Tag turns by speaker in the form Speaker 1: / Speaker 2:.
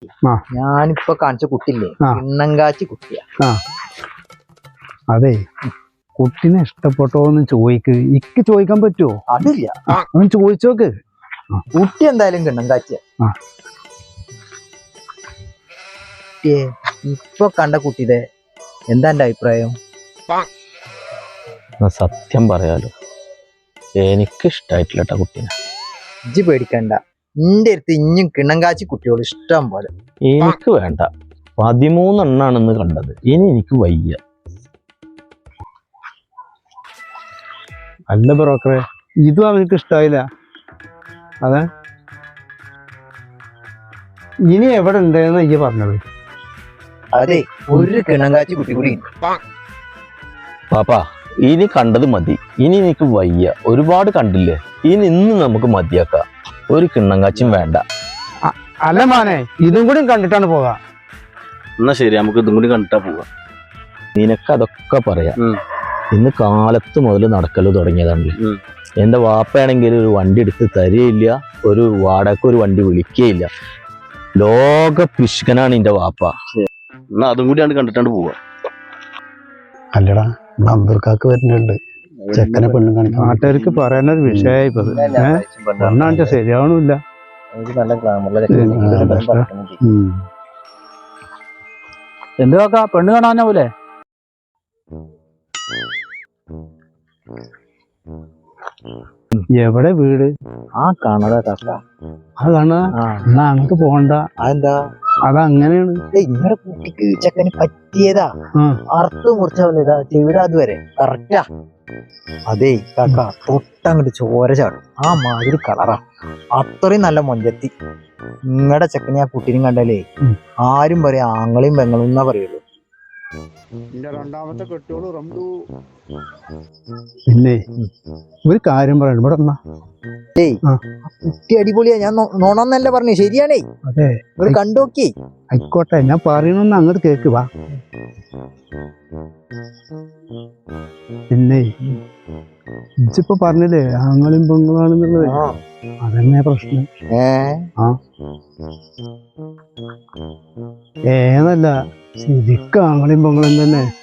Speaker 1: ഞാനിപ്പോ കാണിച്ച കുട്ടില്ലേ കിണ്ണങ്കാച്ചി കുട്ടിയാ.
Speaker 2: അതെ, കുട്ടിനെ ഇഷ്ടപ്പെട്ടോന്ന് ഇക്ക് ചോദിക്കാൻ പറ്റുമോ?
Speaker 1: അതില്ല,
Speaker 2: അവൻ ചോദിച്ചോക്ക്.
Speaker 1: കുട്ടി എന്തായാലും കിണ്ണങ്കാച്ചിയാ. ഇപ്പൊ കണ്ട കുട്ടിയുടെ എന്താ എന്റെ അഭിപ്രായം?
Speaker 3: സത്യം പറയാലോ, എനിക്ക് ഇഷ്ടായിട്ടില്ല കേട്ടോ കുട്ടീനെ.
Speaker 1: ഇജ്ജ് പേടിക്കണ്ട, നിന്റെ അടുത്ത് ഇഞ്ഞും കിണ്ണങ്കാച്ചി കുട്ടിയോട് ഇഷ്ടം പോലെ.
Speaker 3: എനിക്ക് വേണ്ട, 13 എണ്ണാണെന്ന് കണ്ടത്, ഇനി എനിക്ക് വയ്യ.
Speaker 2: അല്ല ബ്രോക്കറെ, ഇതും അവനക്ക് ഇഷ്ടായില്ല. അതെ, ഇനി എവിടെ ഉണ്ടെന്ന് ഈ പറഞ്ഞത്?
Speaker 1: അതെ, ഒരു കിണ്ണങ്കാച്ചി കുട്ടി കൂടി.
Speaker 3: പാപ്പാ, ഇനി കണ്ടത് മതി, ഇനി എനിക്ക് വയ്യ. ഒരുപാട് കണ്ടില്ലേ, ഇനി ഇന്ന് നമുക്ക് മതിയാക്കാം. ഒരു കിണ്ണങ്കാച്ചും വേണ്ട.
Speaker 2: അല്ല മാനെ, ഇതും കൂടി കണ്ടിട്ടാണ് പോകാം.
Speaker 3: എന്നാ ശരി, നമുക്ക് ഇതും കൂടി കണ്ടിട്ടാ പോവാം. നിനക്ക് അതൊക്കെ പറയാം. ഇന്ന് കാലത്ത് മുതൽ നടക്കല് തുടങ്ങിയതാണല്ലോ. എന്റെ വാപ്പയാണെങ്കിൽ ഒരു വണ്ടി എടുത്ത് തരികയില്ല, ഒരു വാടക ഒരു വണ്ടി വിളിക്കുകയില്ല. ലോക പിശുക്കനാണ് എന്റെ വാപ്പ. എന്നാ അതും കൂടിയാണ് കണ്ടിട്ടാണ് പോവാ.
Speaker 2: അല്ലടാ, നമ്പർക്കാക്ക് വരുന്നുണ്ട് ചെക്കനെ പെണ്ണും കാണിക്കാൻ. നാട്ടുകാർക്ക് പറയാനൊരു വിഷയമായി ഇപ്പത്. പെണ്ണാണിച്ച ശരിയാവണില്ല.
Speaker 4: എന്തുവാക്കാ, പെണ്ണ് കാണാനോ പോലെ?
Speaker 2: എവിടെ വീട്?
Speaker 1: ആ കാണാതാ കാക്ക.
Speaker 2: ആ കാണാ, എന്നാ അങ്ങോട്ട് പോകണ്ട.
Speaker 1: അതെന്താ?
Speaker 2: അതങ്ങനെയാണ്.
Speaker 1: ഇങ്ങനെ കുട്ടിക്ക് ചെക്കന് പറ്റിയതാ. അർത്ഥം മുറിച്ചാ ചെവിട അതുവരെ കറക്റ്റാ. അതേ കാക്ക, തൊട്ടങ്ങോട്ട് ചോര ചാടും. ആ മാതിരി കളറാ, അത്രയും നല്ല മൊഞ്ചത്തി. നിങ്ങളുടെ ചെക്കനെ ആ കുട്ടീനും കണ്ടാലേ ആരും പറയാ ആങ്ങളെയും പെങ്ങളും എന്നാ പറയുള്ളൂ.
Speaker 2: രണ്ടാമത്തെ കെട്ടിയോള് റംലു. പിന്നെ ഒരു കാര്യം പറയണം, ഇവിടെ
Speaker 1: കുട്ടി അടിപൊളിയാ. ഞാൻ നോണമെന്നല്ല പറഞ്ഞു, ശരിയാണേ.
Speaker 2: അതെ,
Speaker 1: ഇവിടെ കണ്ടോക്കി.
Speaker 2: ആയിക്കോട്ടെ, ഞാൻ പറയണമെന്ന് അങ്ങോട്ട് കേക്ക്. വാ. പിന്നെ ഇപ്പൊ പറഞ്ഞില്ലേ ആങ്ങളും പെങ്ങളാണെന്നുള്ളത്, അതന്നെ പ്രശ്നം. ഏതല്ല, ശരിക്കും ആങ്ങളും പെങ്ങളും തന്നെ.